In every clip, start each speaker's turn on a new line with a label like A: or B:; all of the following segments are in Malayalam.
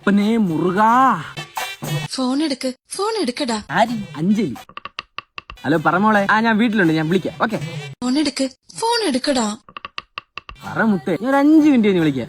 A: അപ്പനെ മുറുകാ.
B: ഫോൺ എടുക്കടാ.
A: ആരി? അഞ്ജലി. ഹലോ പറമോളെ. ഞാൻ വീട്ടിലുണ്ട്, ഞാൻ വിളിക്കാം. ഓക്കെ,
B: ഫോൺ എടുക്കടാ.
A: പറ മുത്തേ, ഞാൻ 5 മിനിറ്റ് കഴിഞ്ഞ് വിളിക്കാം.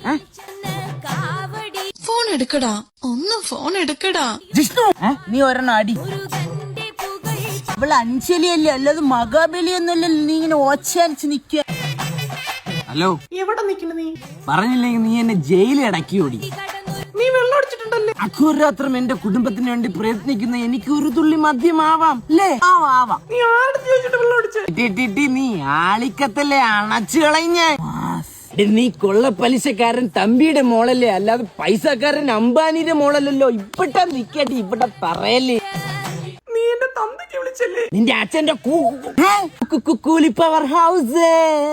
B: ഫോൺ എടുക്കടാ, ഒന്ന് ഫോൺ എടുക്കടാ.
C: ജിഷ്ണു, നീ ഒരെണ്ണം അടി. അവള് അഞ്ജലിയല്ലേ, അല്ലാതെ മഹാബലിയൊന്നുമല്ലല്ലോ. നീ ഇങ്ങനെ ഓച്ചരിച്ച് നിക്ക.
A: ഹലോ,
D: എവിടെ നിക്കണ നീ?
A: പറഞ്ഞില്ലെങ്കിൽ നീ എന്നെ ജയിലിൽ അടക്കി ഓടി.
D: നീ വെള്ളം അടിച്ചിട്ടുണ്ടല്ലേ?
A: അഘോരാത്രം എന്റെ കുടുംബത്തിന് വേണ്ടി പ്രയത്നിക്കുന്ന എനിക്ക് ഒരു തുള്ളി മദ്യമാവാം അല്ലേ?
C: ആവാം.
D: നീ ആരുടെ ചോദിച്ചിട്ട് വെള്ളം അടിച്ചേ?
A: നീ ആളിക്കത്തല്ലേ അണച്ചു കളഞ്ഞ. നീ കൊള്ള പലിശക്കാരൻ തമ്പിയുടെ മോളല്ലേ, അല്ലാതെ പൈസക്കാരൻ അംബാനിയുടെ മോളല്ലല്ലോ. ഇവിടെ നിക്കട്ടെ, ഇവിടെ പറയല്ലേ.
D: നീ എന്റെ തന്തയ്ക്ക് വിളിച്ചല്ലേ?
A: നിന്റെ അച്ഛന്റെ കൂലി പവർ ഹൗസ്.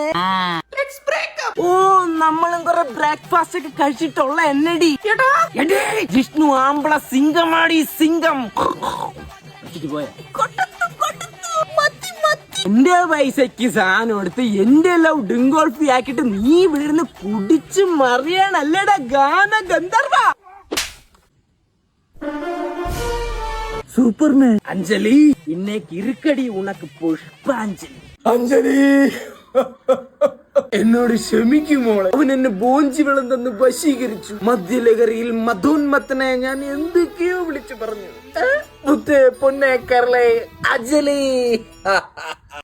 A: ഓ, നമ്മളും കുറെ ബ്രേക്ക്ഫാസ്റ്റ് ഒക്കെ കഴിച്ചിട്ടുള്ള എന്നടി. ജിഷ്ണു ആമ്പള സിംഗമാടി, സിംഗം. എന്റെ പൈസക്ക് സാധനം എടുത്ത് എന്റെ ലവ് ഡിങ്കോൾഫി ആക്കിട്ട് നീ വീടിന് കുടിച്ചു മറിയാണല്ലേടാ ഗാന ഗന്ധർവ. സൂപ്പർമാൻ. അഞ്ജലി, ഇന്നേക്ക് ഇരുക്കടി ഉണക്ക് പുഷ്പാഞ്ജലി. അഞ്ജലി, എന്നോട് ക്ഷമിക്കുമോളെ. അവൻ എന്നെ ബോഞ്ചി വെള്ളം തന്ന് വശീകരിച്ചു. മദ്യലഹരിയിൽ മധോന്മത്തനെ ഞാൻ എന്തൊക്കെയോ വിളിച്ചു പറഞ്ഞു. മുത്തേ, പൊന്നെ, കരളെ, അഞ്ജലി.